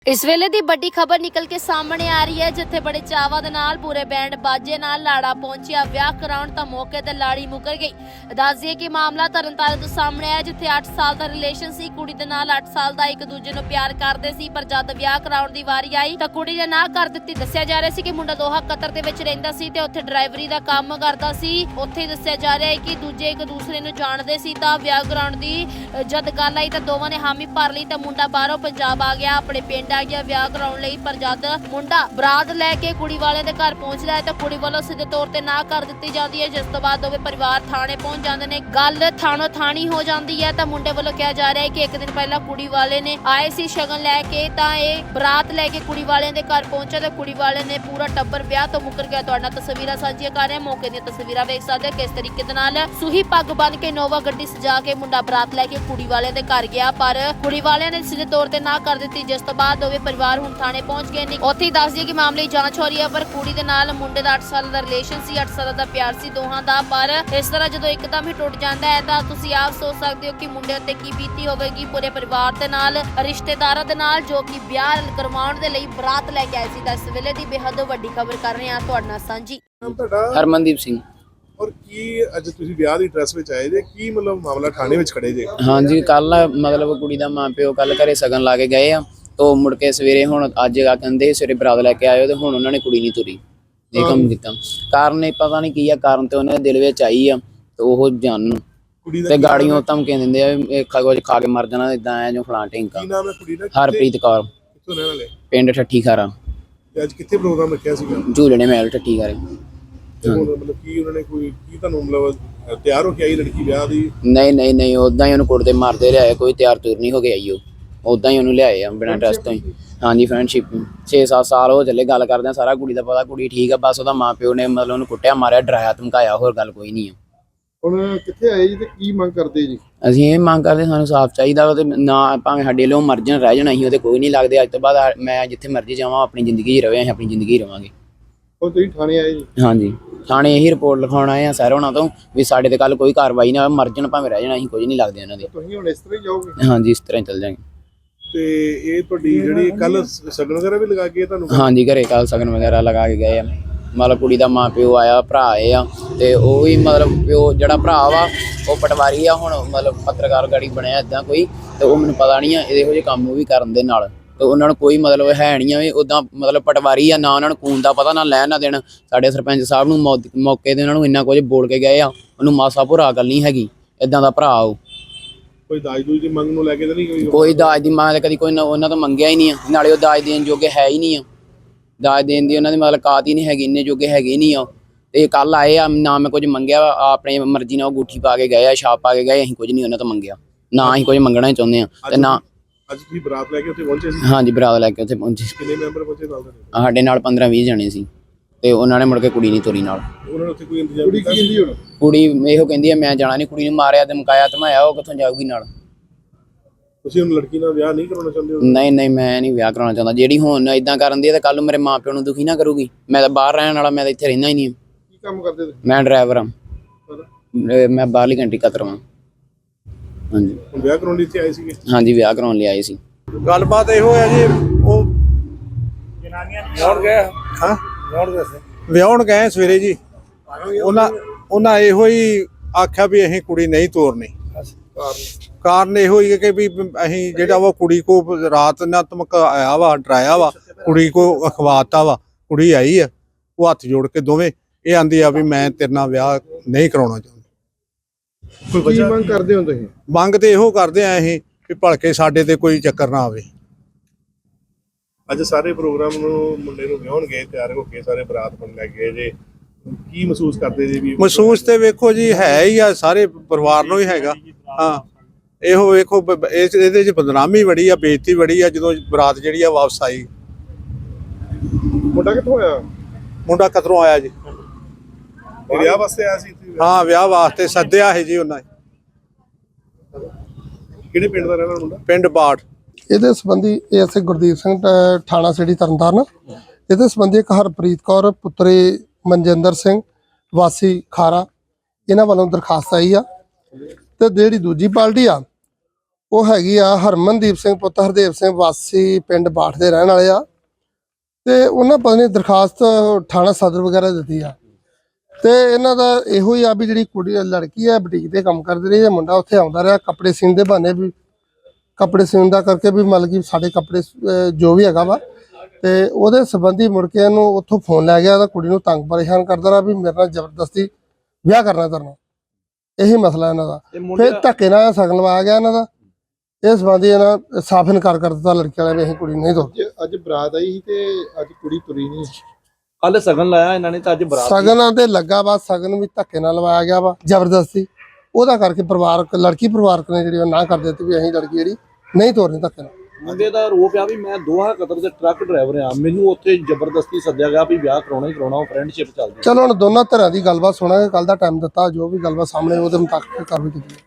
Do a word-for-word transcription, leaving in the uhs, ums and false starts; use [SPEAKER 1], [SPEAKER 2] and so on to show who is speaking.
[SPEAKER 1] इस वेले दी बड़ी खबर निकल के सामने आ रही है जिथे बड़े चावा दे नाल पूरे बैंड बाजे नाल लाड़ा पहुंचिया ब्याह कराउण तां मौके ते लाड़ी मुकर गई। दस दिए कि मामला तरनताਰਨ तो सामने आया जिथे आठ साल दा रिलेशन सी। कुड़ी दे नाल आठ साल दा एक दूजे नूं प्यार करदे सी पर जद ब्याह कराउण दी वारी आई तां कुड़ी ने ना कर दित्ती। दस्सिया जा रहा सी कि मुंडा दोहा कतर दे विच रहिंदा सी ते उत्थे ड्राइवरी दा काम करदा सी। उत्थे दस्सिया जा रहा है कि दूजे एक दूसरे नूं जाणदे सी तां ब्याह कराउण दी जद गल आई तां दोवां ने हामी भर लई तां मुंडा बाहरों पंजाब आ गया, अपने पिंड आ गया ब्याह कराउण लई। पर जद मुंडा बरात लैके कुड़ी वाले दे घर पहुंचदा है तां कुड़ी वालों सीधे तौर ते ना कर दित्ती जांदी है, जिस तो बाद दोवें परिवार थाणे पहुंच जांदे ने। गल थाणों थाणी हो जांदी है तां मुंडे वालों कहा जा रहा है कि एक दिन पहला कुड़ी वाले ने आए सी शगन लैके तां इह बरात लैके कुड़ी वाले दे घर पहुंचे तां कुड़ी वाले ने पूरा टब्बर ब्याह तो मुकर गया। तुहाडे नाल तस्वीरां साझीआं कर रहे हां, मौके दी तस्वीरां वेख सकदे हो किस तरीके दे नाल सूही पग बन के नोवा गड्डी सजा के मुंडा बरात लैके कुड़ी वाले दे घर गया, पर कुड़ी वाले ने सीधे तौर ते ना कर दित्ती, जिस तो बाद दोवें परिवार हुण थाणे पहुंच गए ने। उत्थे ही दस दिए कि मामले की जांच हो रही है, पर कुड़ी दे नाल मुंडे दा आठ साल दा रिलेशन सी, आठ साल दा प्यार सी दोहां दा। पर इस तरह जदों एकदम ही टुट जांदा है तां तुसीं आप सोच सकदे हो कि मुंडे उत्ते की बीती होवेगी पूरे परिवार दे नाल, रिश्तेदारां दे नाल जो कि ब्याह करवाउण दे लई बरात लैके आए सी। तां इस वेले दी बेहद वड्डी खबर कर रहे हां तुहाडे नाल सांझी।
[SPEAKER 2] ਨਾਮ ਤੁਹਾਡਾ
[SPEAKER 3] ਹਰਮਨਦੀਪ ਸਿੰਘ।
[SPEAKER 2] ਔਰ ਕੀ ਅੱਜ ਤੁਸੀਂ ਵਿਆਹ ਦੀ ਡਰੈਸ ਵਿੱਚ ਆਏ ਜੇ, ਕੀ ਮਤਲਬ ਮਾਮਲਾ ਥਾਣੇ ਵਿੱਚ ਖੜੇ ਜੇ?
[SPEAKER 3] ਹਾਂਜੀ ਕੱਲ ਮਤਲਬ ਕੁੜੀ ਦਾ ਮਾਂ ਪਿਓ ਕੱਲ ਘਰੇ ਸਗਨ ਲਾ ਕੇ ਗਏ ਆ, ਤੋਂ ਮੁੜ ਕੇ ਸਵੇਰੇ ਹੁਣ ਅੱਜ ਆ ਕਹਿੰਦੇ ਸਵੇਰੇ ਬਰਾਤ ਲੈ ਕੇ ਆਇਓ ਤੇ ਹੁਣ ਉਹਨਾਂ ਨੇ ਕੁੜੀ ਨਹੀਂ ਤੁਰੀ। ਇਹ ਕੰਮ ਕੀਤਾ ਕਾਰਨ ਇਹ ਪਤਾ ਨਹੀਂ ਕੀ ਆ, ਕਾਰਨ ਤੇ ਉਹਨਾਂ ਦੇ ਦਿਲ ਵਿੱਚ ਆਈ ਆ ਤੇ ਉਹ ਜਾਣਨ
[SPEAKER 2] ਕੁੜੀ ਦਾ
[SPEAKER 3] ਤੇ
[SPEAKER 2] ਕੀ
[SPEAKER 3] ਗਾੜੀਆਂ ਧਮਕੀਆਂ ਦਿੰਦੇ ਆ ਇਹ ਖਾ ਕੁਝ ਖਾ ਕੇ ਮਰ ਜਾਣਾ ਇਦਾਂ ਆ ਜੋ ਫਲਾਂ ਢਿੰਕਾ।
[SPEAKER 2] ਕੀ ਨਾਮ ਹੈ ਕੁੜੀ ਦਾ?
[SPEAKER 3] ਹਰਪ੍ਰੀਤ ਕੌਰ,
[SPEAKER 2] ਕਿੱਥੋਂ ਰਹਿਣ ਵਾਲੇ?
[SPEAKER 3] ਪਿੰਡ ਠੱਠੀ ਖਾਰਾ,
[SPEAKER 2] ਤੇ ਅੱਜ ਕਿੱਥੇ ਪ੍ਰੋਗਰਾਮ ਰੱਖਿਆ ਸੀਗਾ?
[SPEAKER 3] ਝੂਲਣੇ ਮਹਿਲ ਠੱਠੀ ਖਾਰੇ।
[SPEAKER 2] ਤੇ ਹੁਣ ਮਤਲਬ ਕੀ ਉਹਨਾਂ ਨੇ ਕੋਈ ਕੀ ਤੁਹਾਨੂੰ ਮਤਲਬ ਤਿਆਰ ਹੋ ਕੇ ਆਈ ਲੜਕੀ ਵਿਆਹ ਦੀ?
[SPEAKER 3] ਨਹੀਂ ਨਹੀਂ ਨਹੀਂ ਉਦਾਂ ਹੀ ਉਹਨੂੰ ਕੁੱਟਦੇ ਮਾਰਦੇ ਲਿਆਏ, ਕੋਈ ਤਿਆਰ ਤੁਰ ਨਹੀਂ ਹੋ ਗਿਆ ਆਈ, ਉਹ ਉਦਾਂ ਹੀ ਉਹਨੂੰ ਲਿਆਏ ਆ ਬਿਨਾਂ ਡਰੈਸ ਤੋਂ ਹੀ। ਹਾਂਜੀ ਫਰੈਂਡਸ਼ਿਪ ਛੇ ਸੱਤ ਸਾਲ ਹੋ ਚੱਲੇ ਗੱਲ ਕਰਦੇ ਆ, ਸਾਰਾ ਕੁੜੀ ਦਾ ਪਤਾ, ਕੁੜੀ ਠੀਕ ਆ, ਬਸ ਉਹਦਾ ਮਾਂ ਪਿਓ ਨੇ ਮਤਲਬ ਉਹਨੂੰ ਕੁੱਟਿਆ ਮਾਰਿਆ ਡਰਾਇਆ ਧਮਕਾਇਆ, ਹੋਰ ਗੱਲ ਕੋਈ ਨਹੀਂ ਆ।
[SPEAKER 4] ਹੁਣ ਕਿੱਥੇ ਆਏ ਜੀ ਤੇ ਕੀ ਮੰਗ ਕਰਦੇ ਜੀ?
[SPEAKER 3] ਅਸੀਂ ਇਹ ਮੰਗ ਕਰਦੇ ਸਾਨੂੰ ਸਾਫ਼ ਚਾਹੀਦਾ ਵਾ ਤੇ ਨਾ ਭਾਵੇਂ ਸਾਡੇ ਲੋ ਮਰ ਜਾਣ ਰਹਿ ਜਾਣਾ, ਅਸੀਂ ਉਹਦੇ ਕੋਈ ਨਹੀਂ ਲੱਗਦੇ। ਅੱਜ ਤੋਂ ਬਾਅਦ ਮੈਂ ਜਿੱਥੇ ਮਰਜ਼ੀ ਜਾਵਾਂ ਆਪਣੀ ਜ਼ਿੰਦਗੀ 'ਚ ਰਵੇ, ਅਸੀਂ ਆਪਣੀ ਜ਼ਿੰਦਗੀ 'ਚ ਰਵਾਂਗੇ।
[SPEAKER 4] ਹੁਣ ਤੁਸੀਂ ਥਾਣੇ ਆਏ ਜੀ?
[SPEAKER 3] ਹਾਂਜੀ ਥਾਣੇ ਇਹੀ ਰਿਪੋਰਟ ਲਿਖਾਉਣ ਆਏ ਆ ਸਰ ਉਹਨਾਂ ਤੋਂ ਵੀ ਸਾਡੇ ਤੇ ਕੱਲ ਕੋਈ ਕਾਰਵਾਈ ਨਾ ਹੋਵੇ, ਮਰ ਜਾਣ ਭਾਵੇਂ ਰਹਿ ਜਾਣਾ, ਅਸੀਂ ਕੁਝ ਨਹੀਂ ਲੱਗਦੇ ਉਹਨਾਂ ਦੇ।
[SPEAKER 4] ਤੁਸੀਂ ਹੁਣ ਇਸ ਤਰ੍ਹਾਂ ਹੀ ਜਾਓਗੇ?
[SPEAKER 3] ਹਾਂਜੀ ਇਸ ਤਰ੍ਹਾਂ ਹੀ ਚੱਲ ਜਾਵਾਂਗੇ।
[SPEAKER 2] ਤੇ ਇਹ ਤੁਹਾਡੀ ਜਿਹੜੀ ਕੱਲ ਸਗਨ ਵਗੈਰਾ ਵੀ ਲਗਾ ਕੇ ਤੁਹਾਨੂੰ?
[SPEAKER 3] ਹਾਂਜੀ ਘਰੇ ਕੱਲ ਸਗਨ ਵਗੈਰਾ ਲਗਾ ਕੇ ਗਏ ਆ, ਮਤਲਬ ਕੁੜੀ ਦਾ ਮਾਂ ਪਿਓ ਆਇਆ, ਭਰਾ ਆਏ ਆ ਤੇ ਉਹ ਵੀ ਮਤਲਬ ਪਿਓ ਜਿਹੜਾ ਭਰਾ ਵਾ ਉਹ ਪਟਵਾਰੀ ਆ, ਹੁਣ ਮਤਲਬ ਪੱਤਰਕਾਰ ਗਾੜੀ ਬਣਿਆ ਇੱਦਾਂ ਕੋਈ, ਤੇ ਉਹ ਮੈਨੂੰ ਪਤਾ ਨਹੀਂ ਆ ਇਹੋ ਜਿਹੇ ਕੰਮ ਉਹ ਵੀ ਕਰਨ ਦੇ ਨਾਲ, ਤੇ ਉਹਨਾਂ ਨੂੰ ਕੋਈ ਮਤਲਬ ਹੈ ਨਹੀਂ ਆ ਵੀ ਉੱਦਾਂ ਮਤਲਬ ਪਟਵਾਰੀ ਆ, ਨਾ ਉਹਨਾਂ ਨੂੰ ਖੂਨ ਦਾ ਪਤਾ ਨਾ ਲੈਣ ਨਾ ਦੇਣ। ਸਾਡੇ ਸਰਪੰਚ ਸਾਹਿਬ ਨੂੰ ਮੌਕੇ ਤੇ ਉਹਨਾਂ ਨੂੰ ਇੰਨਾ ਕੁਝ ਬੋਲ ਕੇ ਗਏ ਆ, ਉਹਨੂੰ ਮਾਸਾ ਭੁਰਾ ਗੱਲ ਨਹੀਂ ਹੈਗੀ, ਇੱਦਾਂ ਦਾ ਭਰਾ ਉਹ।
[SPEAKER 2] ਕੋਈ ਦਾਜ ਦੂਜ ਦੀ ਮੰਗ ਨੂੰ ਲੈ ਕੇ ਤਾਂ ਨਹੀਂ ਕੋਈ?
[SPEAKER 3] ਕੋਈ ਦਾਜ ਦੀ ਮੰਗ ਤਾਂ ਕਦੀ ਕੋਈ ਉਹਨਾਂ ਤੋਂ ਮੰਗਿਆ ਹੀ ਨਹੀਂ ਆ, ਨਾਲੇ ਉਹ ਦਾਜ ਦੇਣ ਜੋਗੇ ਹੈ ਹੀ ਨਹੀਂ ਆ, ਦਾਜ ਦੇਣ ਦੀ ਉਹਨਾਂ ਦੀ ਮਤਲਬ ਕਾਤ ਹੀ ਨਹੀਂ ਹੈਗੀ, ਇੰਨੇ ਜੋਗੇ ਹੈਗੇ ਨਹੀਂ ਆ। ਤੇ ਕੱਲ ਆਏ ਆ, ਨਾ ਮੈਂ ਕੁਝ ਮੰਗਿਆ, ਆਪਣੀ ਮਰਜ਼ੀ ਨਾਲ ਉਹ ਅੰਗੂਠੀ ਪਾ ਕੇ ਗਏ ਆ, ਛਾਪ ਪਾ ਕੇ ਗਏ, ਅਸੀਂ ਕੁਝ ਨਹੀਂ ਉਹਨਾਂ ਤੋਂ ਮੰਗਿਆ, ਨਾ ਅਸੀਂ ਕੁਝ ਮੰਗਣਾ ਹੀ ਚਾਹੁੰਦੇ ਆ। ਤੇ ਨਾ
[SPEAKER 2] ਅੱਜ ਤੁਸੀਂ ਬਰਾਤ ਲੈ ਕੇ ਉੱਥੇ ਪਹੁੰਚੇ ਸੀ?
[SPEAKER 3] ਹਾਂਜੀ ਬਰਾਤ ਲੈ ਕੇ ਉੱਥੇ ਪਹੁੰਚੇ।
[SPEAKER 2] ਕਿੰਨੇ ਮੈਂਬਰ ਪਹੁੰਚੇ ਨਾਲ ਤੁਹਾਡੇ?
[SPEAKER 3] ਸਾਡੇ ਨਾਲ ਪੰਦਰਾਂ ਵੀਹ ਜਣੇ ਸੀ ਤੇ ਉਹਨਾਂ ਨੇ ਮੁੜ ਕੇ ਕੁੜੀ ਨਹੀਂ ਤੋਰੀ ਨਾਲ।
[SPEAKER 2] ਉਹਨਾਂ ਨੇ ਉੱਥੇ ਕੋਈ ਇੰਤਜ਼ਾਮ
[SPEAKER 4] ਕੁੜੀ
[SPEAKER 2] ਕੀਤਾ?
[SPEAKER 4] ਕੀ ਕਹਿੰਦੀ ਹੁਣ?
[SPEAKER 3] ਕੁੜੀ ਇਹੋ ਕਹਿੰਦੀ ਆ ਮੈਂ ਜਾਣਾ ਨਹੀਂ, ਕੁੜੀ ਨੂੰ ਮਾਰਿਆ ਤੇ ਮੁਕਾਇਆ ਧਮਾਇਆ, ਉਹ ਕਿੱਥੋਂ ਜਾਊਗੀ ਨਾਲ?
[SPEAKER 2] ਤੁਸੀਂ ਹੁਣ ਲੜਕੀ ਨਾਲ ਵਿਆਹ ਨਹੀਂ ਕਰਾਉਣਾ ਚਾਹੁੰਦੇ ਹੋ?
[SPEAKER 3] ਨਹੀਂ ਨਹੀਂ ਮੈਂ ਨਹੀਂ ਵਿਆਹ ਕਰਾਉਣਾ ਚਾਹੁੰਦਾ। ਜਿਹੜੀ ਹੁਣ ਇਦਾਂ ਕਰਨ ਦੀ ਹੈ ਤਾਂ ਕੱਲ ਨੂੰ ਮੇਰੇ ਮਾਂ ਪਿਓ ਨੂੰ ਦੁਖੀ ਨਾ ਕਰੂਗੀ। ਮੈਂ ਤਾਂ ਬਾਹਰ ਰਹਿਣ ਵਾਲਾ, ਮੈਂ ਤਾਂ ਇੱਥੇ ਰਹਿੰਦਾ ਹੀ ਨਹੀਂ।
[SPEAKER 4] ਕੀ ਕੰਮ ਕਰਦੇ ਤੁਸੀਂ?
[SPEAKER 3] ਮੈਂ ਡਰਾਈਵਰ ਹਾਂ, ਮੈਂ ਬਾਹਰਲੀ ਕੰਟਰੀ ਕਤਰ ਹਾਂ। ਹਾਂਜੀ
[SPEAKER 2] ਹੁਣ ਵਿਆਹ ਕਰਾਉਣ ਲਈ ਇੱਥੇ ਆਏ ਸੀਗੇ?
[SPEAKER 3] ਹਾਂਜੀ ਵਿਆਹ ਕਰਾਉਣ ਲਈ ਆਏ ਸੀ।
[SPEAKER 5] ਗੱਲਬਾਤ ਇਹੋ ਹੈ ਜੀ, ਉਹ ਜਨਾਨੀਆਂ ਵਿਆਹਣ ਗਏ। ਹਾਂ ਵਿਆਹਣ ਗਏ ਸਵੇਰੇ ਜੀ, ਉਹਨਾਂ ਉਹਨਾਂ ਇਹੋ ਹੀ ਆਖਿਆ ਵੀ ਅਸੀਂ ਕੁੜੀ ਨਹੀਂ ਤੋਰਨੀ। ਕਾਰਨ ਇਹੋ ਹੀ ਹੈ ਕਿ ਵੀ ਅਸੀਂ ਜਿਹੜਾ ਵਾ ਕੁੜੀ ਕੋ ਰਾਤ ਨਾ ਧਮਕਾਇਆ ਵਾ, ਡਰਾਇਆ ਵਾ, ਕੁੜੀ ਕੋ ਅਖਵਾਤਾ ਵਾ। ਕੁੜੀ ਆਈ ਆ, ਉਹ ਹੱਥ ਜੋੜ ਕੇ ਦੋਵੇਂ ਇਹ ਆਂਦੀ ਆ ਵੀ ਮੈਂ ਤੇਰੇ ਨਾਲ ਵਿਆਹ ਨਹੀਂ ਕਰਾਉਣਾ ਚਾਹੁੰਦੀ।
[SPEAKER 4] ਕੀ ਮੰਗ ਕਰਦੇ ਹੋ ਤੁਸੀਂ?
[SPEAKER 5] ਮੰਗ ਤੇ ਇਹੋ ਕਰਦੇ ਆ ਅਸੀਂ ਵੀ ਭਲਕੇ ਸਾਡੇ ਤੇ ਕੋਈ ਚੱਕਰ ਨਾ ਆਵੇ।
[SPEAKER 2] ਅੱਜ ਸਾਰੇ ਪ੍ਰੋਗਰਾਮ ਨੂੰ ਮੁੰਡੇ ਨੂੰ ਵਿਆਹਣ ਗਏ, ਤਿਆਰ ਹੋ ਕੇ ਸਾਰੇ ਬਰਾਤ ਬਣ ਲੈ ਗਏ ਜੇ, ਕੀ ਮਹਿਸੂਸ ਕਰਦੇ ਜੀ? ਵੀ
[SPEAKER 5] ਮਹਿਸੂਸ ਤੇ ਵੇਖੋ ਜੀ ਹੈ ਹੀ ਆ, ਸਾਰੇ ਪਰਿਵਾਰ ਨੂੰ ਹੀ ਹੈਗਾ। ਹਾਂ ਇਹੋ ਵੇਖੋ ਇਹਦੇ ਚ ਬਦਨਾਮੀ ਬੜੀ ਆ, ਬੇਇੱਜ਼ਤੀ ਬੜੀ ਆ ਜਦੋਂ ਬਰਾਤ ਜਿਹੜੀ ਆ ਵਾਪਸ ਆਈ।
[SPEAKER 4] ਮੁੰਡਾ ਕਿੱਥੋਂ ਆਇਆ?
[SPEAKER 5] ਮੁੰਡਾ ਕਤਰੋਂ ਆਇਆ ਜੀ।
[SPEAKER 2] ਵਿਆਹ ਵਾਸਤੇ ਆਇਆ ਸੀ?
[SPEAKER 5] ਹਾਂ ਵਿਆਹ ਵਾਸਤੇ ਸੱਦਿਆ ਹੈ ਜੀ ਉਹਨਾਂ ਨੇ।
[SPEAKER 2] ਕਿਹੜੇ ਪਿੰਡ ਦਾ ਰਹਿਣਾ ਮੁੰਡਾ?
[SPEAKER 5] ਪਿੰਡ ਬਾੜ।
[SPEAKER 6] ਇਹਦੇ ਸੰਬੰਧੀ ਐਸਏ ਗੁਰਦੀਪ ਸਿੰਘ ਥਾਣਾ ਸਿਟੀ ਤਰਨਤਾਰਨ, ਇਹਦੇ ਸੰਬੰਧੀ ਇੱਕ ਹਰਪ੍ਰੀਤ ਕੌਰ ਪੁੱਤਰੀ ਮਨਜਿੰਦਰ ਸਿੰਘ ਵਾਸੀ ਖਾਰਾ, ਇਹਨਾਂ ਵੱਲੋਂ ਦਰਖਾਸਤ ਆਈ ਆ। ਤੇ ਜਿਹੜੀ ਦੂਜੀ ਪਾਰਟੀ ਆ ਉਹ ਹੈਗੀ ਆ ਹਰਮਨਦੀਪ ਸਿੰਘ ਪੁੱਤਰ ਹਰਦੇਵ ਸਿੰਘ ਵਾਸੀ ਪਿੰਡ ਬਾਠ ਦੇ ਰਹਿਣ ਵਾਲੇ ਆ ਤੇ ਉਹਨਾਂ ਪਤਾ ਨਹੀਂ ਦਰਖਾਸਤ ਥਾਣਾ ਸਦਰ ਵਗੈਰਾ ਦਿੱਤੀ ਆ ਤੇ ਇਹਨਾਂ ਦਾ ਇਹੋ ਹੀ ਆ ਵੀ ਜਿਹੜੀ ਕੁੜੀ ਲੜਕੀ ਆ ਬੁਟੀਕ ਤੇ ਕੰਮ ਕਰਦੀ ਰਹੀ ਹੈ, ਮੁੰਡਾ ਉੱਥੇ ਆਉਂਦਾ ਰਿਹਾ ਕੱਪੜੇ ਸੀਨ ਦੇ ਬਹਾਨੇ ਵੀ ਕੱਪੜੇ ਸੀਨ ਦਾ ਕਰਕੇ ਵੀ ਮਤਲਬ ਕਿ ਸਾਡੇ ਕੱਪੜੇ ਅਹ ਜੋ ਵੀ ਹੈਗਾ ਵਾ ਤੇ ਉਹਦੇ ਸੰਬੰਧੀ ਮੁੜ ਕੇ ਇਹਨੂੰ ਉੱਥੋਂ ਫੋਨ ਲੈ ਗਿਆ ਤਾਂ ਕੁੜੀ ਨੂੰ ਤੰਗ ਪਰੇਸ਼ਾਨ ਕਰਦਾ ਰਿਹਾ ਵੀ ਮੇਰੇ ਨਾਲ ਜ਼ਬਰਦਸਤੀ ਵਿਆਹ ਕਰਨਾ ਕਰਨਾ ਇਹੀ ਮਸਲਾ ਇਹਨਾਂ ਦਾ। ਫਿਰ ਧੱਕੇ ਨਾਲ ਸ਼ਗਨ ਲਵਾਇਆ ਗਿਆ ਇਹਨਾਂ ਦਾ। ਇਸ ਸੰਬੰਧੀ ਇਹਨਾਂ ਸਾਫ਼ ਇਨਕਾਰ ਕਰ ਦਿੱਤਾ ਲੜਕੀ ਵਾਲਿਆਂ ਨੇ ਅਸੀਂ ਕੁੜੀ ਨੂੰ ਨਹੀਂ ਦੋ
[SPEAKER 4] ਅੱਜ ਅੱਜ ਬਰਾਤ ਆਈ ਸੀ ਤੇ ਅੱਜ ਕੁੜੀ ਤੁਰੀ ਨਹੀਂ।
[SPEAKER 7] ਕੱਲ ਸਗਨ ਲਾਇਆ ਇਹਨਾਂ ਨੇ ਤਾਂ ਅੱਜ ਬਰਾਤ
[SPEAKER 6] ਸ਼ਗਨਾਂ ਤੇ ਲੱਗਾ ਵਾ ਸ਼ਗਨ ਵੀ ਧੱਕੇ ਨਾਲ ਲਵਾਇਆ ਗਿਆ ਵਾ ਜ਼ਬਰਦਸਤੀ ਉਹਦਾ ਕਰਕੇ ਪਰਿਵਾਰਕ ਲੜਕੀ ਪਰਿਵਾਰਕ ਨੇ ਜਿਹੜੀ ਉਹ ਨਾ ਕਰ ਦਿੱਤੀ ਵੀ ਅਸੀਂ ਲੜਕੀ ਜਿਹੜੀ ਨਹੀਂ ਤੋਰਨੀ ਧੱਕੇ ਨਾਲ।
[SPEAKER 7] ਮੁੰਡੇ ਦਾ ਰੋਪ ਆ ਵੀ ਮੈਂ ਦੋਹਾ ਕਤਰ ਦੇ ਟਰੱਕ ਡਰਾਈਵਰ ਆ, ਮੈਨੂੰ ਉੱਥੇ ਜ਼ਬਰਦਸਤੀ ਸੱਦਿਆ ਗਿਆ ਵੀ ਵਿਆਹ ਕਰਾਉਣਾ ਹੀ ਕਰਾਉਣਾ, ਫਰੈਂਡਸ਼ਿਪ ਚੱਲਦੀ।
[SPEAKER 6] ਚਲੋ ਹੁਣ ਦੋਨਾਂ ਧਿਰਾਂ ਦੀ ਗੱਲਬਾਤ ਸੁਣਾਂਗੇ, ਕੱਲ ਦਾ ਟਾਈਮ ਦਿੱਤਾ ਜੋ ਵੀ ਗੱਲਬਾਤ ਸਾਹਮਣੇ ਉਹਦੇ ਮੁਤਾਬਕ ਕਾਰਵਾਈ ਕੀਤੀ।